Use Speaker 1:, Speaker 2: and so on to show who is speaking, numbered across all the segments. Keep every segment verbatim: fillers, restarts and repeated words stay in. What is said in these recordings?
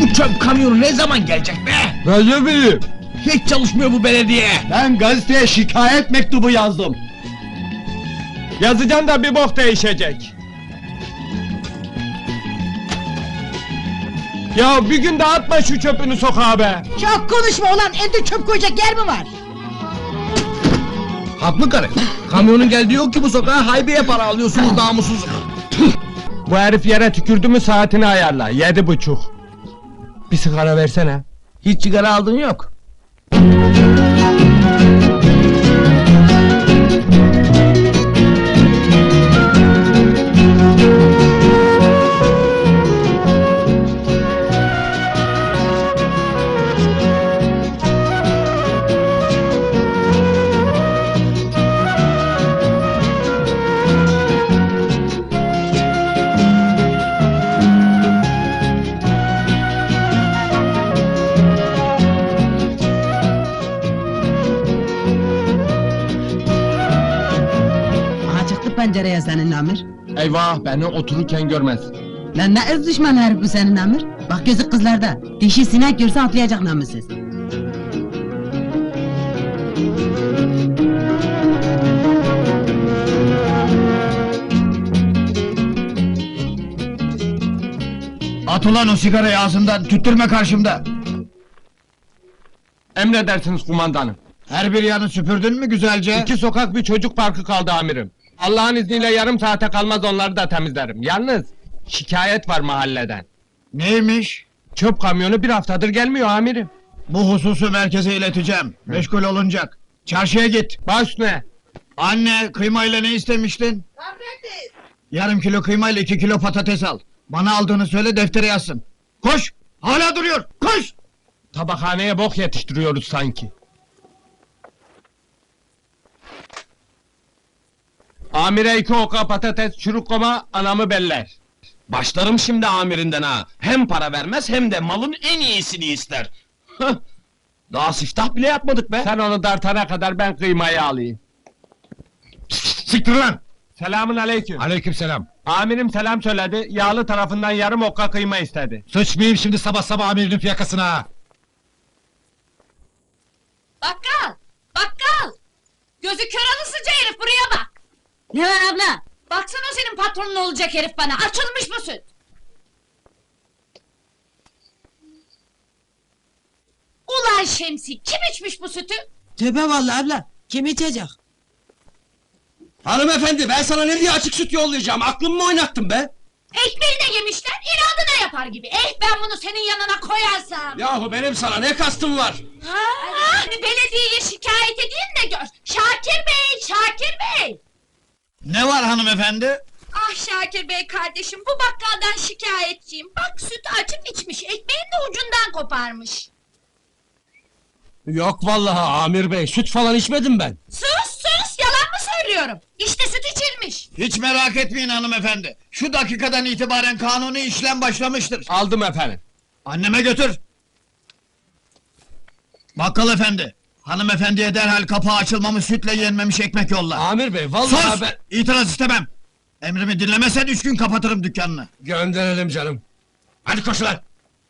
Speaker 1: Bu çöp kamyonu ne zaman gelecek be?
Speaker 2: Ben ne bileyim?
Speaker 1: Hiç çalışmıyor bu belediye.
Speaker 2: Ben gazeteye şikayet mektubu yazdım. Yazacağım da bir bok değişecek. Ya bir gün de atma şu çöpünü sokağa be!
Speaker 3: Çok konuşma ulan, evde çöp koyacak yer mi var?
Speaker 1: Haklı karı. Kamyonun geldiği yok ki bu sokağa, haybeye para alıyorsunuz namussuz.
Speaker 2: Bu herif yere tükürdü mü saatini ayarla, yedi buçuk. Bir sigara versene.
Speaker 1: Hiç sigara aldın yok.
Speaker 3: Çıktı pencereye senin Amir.
Speaker 2: Eyvah, beni otururken görmez.
Speaker 3: Lan ne öz düşman herif bu senin Amir. Bak gözü kızlarda. Dişi sinek görse atlayacak namussuz.
Speaker 1: At ulan o sigarayı ağzından, tüttürme karşımda.
Speaker 2: Emredersiniz kumandanım.
Speaker 1: Her bir yanı süpürdün mü güzelce?
Speaker 2: İki sokak bir çocuk parkı kaldı amirim. Allah'ın izniyle yarım saate kalmaz onları da temizlerim. Yalnız şikayet var mahalleden.
Speaker 1: Neymiş?
Speaker 2: Çöp kamyonu bir haftadır gelmiyor amirim.
Speaker 1: Bu hususu merkeze ileteceğim. Meşgul olunacak. Çarşıya git.
Speaker 2: Baş ne?
Speaker 1: Anne, kıymayla ne istemiştin? Yarım kilo kıymayla iki kilo patates al. Bana aldığını söyle, deftere yazsın. Koş! Hala duruyor! Koş!
Speaker 2: Tabakhaneye bok yetiştiriyoruz sanki. Amire iki oka patates, çürük koma, anamı beller.
Speaker 4: Başlarım şimdi amirinden ha. Hem para vermez hem de malın en iyisini ister. Hıh! Daha siftah bile yapmadık be.
Speaker 2: Sen onu dartana kadar ben kıymayı alayım.
Speaker 1: Siktir lan!
Speaker 2: Selamun aleyküm.
Speaker 1: Aleykümselam.
Speaker 2: Amirim selam söyledi, yağlı tarafından yarım okka kıyma istedi.
Speaker 1: Sıçmayayım şimdi sabah sabah amirinin fiyakasına.
Speaker 5: Bakkal! Bakkal! Gözü kör alınsıca herif, buraya bak!
Speaker 3: Ne var abla?
Speaker 5: Baksana o senin patronun olacak herif bana, açılmış mı süt? Ulan Şemsi, kim içmiş bu sütü?
Speaker 3: Tövbe vallahi abla. Kim içecek?
Speaker 4: Hanımefendi, ben sana ne diye açık süt yollayacağım? Aklımı mı oynattın be?
Speaker 5: Ekmeğine yemişler, inadına yapar gibi. Eh, ben bunu senin yanına koyarsam!
Speaker 4: Yahu benim sana ne kastım var?
Speaker 5: Ha, hani belediyeye şikayet edeyim de gör! Şakir Bey, Şakir Bey!
Speaker 1: Ne var hanımefendi?
Speaker 5: Ah Şakir Bey kardeşim, bu bakkaldan şikayetçiyim. Bak sütü açıp içmiş, ekmeğin de ucundan koparmış.
Speaker 4: Yok vallahi amir bey, süt falan içmedim ben.
Speaker 5: Sus sus, yalan mı söylüyorum? İşte süt içilmiş.
Speaker 1: Hiç merak etmeyin hanımefendi. Şu dakikadan itibaren kanuni işlem başlamıştır.
Speaker 2: Aldım efendim.
Speaker 1: Anneme götür. Bakkal efendi, hanımefendiye derhal kapağı açılmamış sütle yenmemiş ekmek yolla.
Speaker 4: Amir bey, vallahi
Speaker 1: Sus!
Speaker 4: ben...
Speaker 1: İtiraz istemem. Emrimi dinlemezsen üç gün kapatırım dükkanını.
Speaker 4: Gönderelim canım. Hadi koş lan!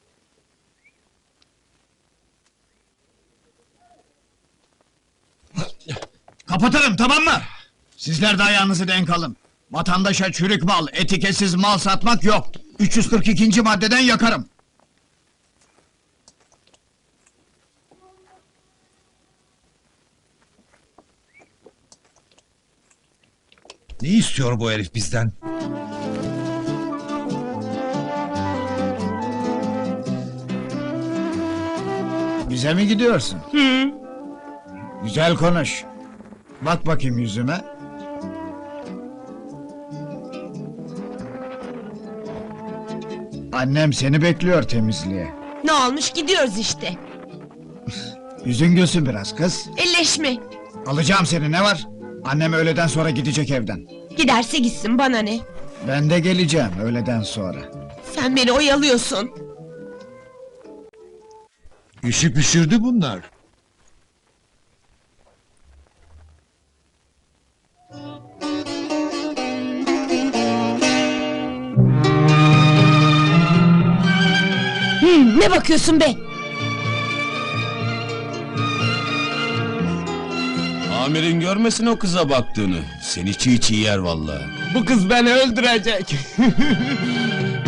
Speaker 1: Kapatırım, tamam mı? Sizler de ayağınızı denk alın. Vatandaşa çürük mal, etiketsiz mal satmak yok. üç yüz kırk ikinci maddeden yakarım.
Speaker 6: Ne istiyor bu herif bizden?
Speaker 1: Bize mi gidiyorsun?
Speaker 3: Hı.
Speaker 1: Güzel konuş. Bak bakayım yüzüme. Annem seni bekliyor temizliğe.
Speaker 7: Ne olmuş, gidiyoruz işte.
Speaker 1: Yüzün gülsün biraz kız.
Speaker 7: Elleşme.
Speaker 1: Alacağım seni, ne var? Annem öğleden sonra gidecek evden.
Speaker 7: Giderse gitsin, bana ne?
Speaker 1: Ben de geleceğim öğleden sonra.
Speaker 7: Sen beni oyalıyorsun.
Speaker 6: İşi pişirdi bunlar.
Speaker 7: Ne bakıyorsun be?
Speaker 4: Amirin görmesin o kıza baktığını. Seni çiğ çiğ yer vallahi.
Speaker 2: Bu kız beni öldürecek.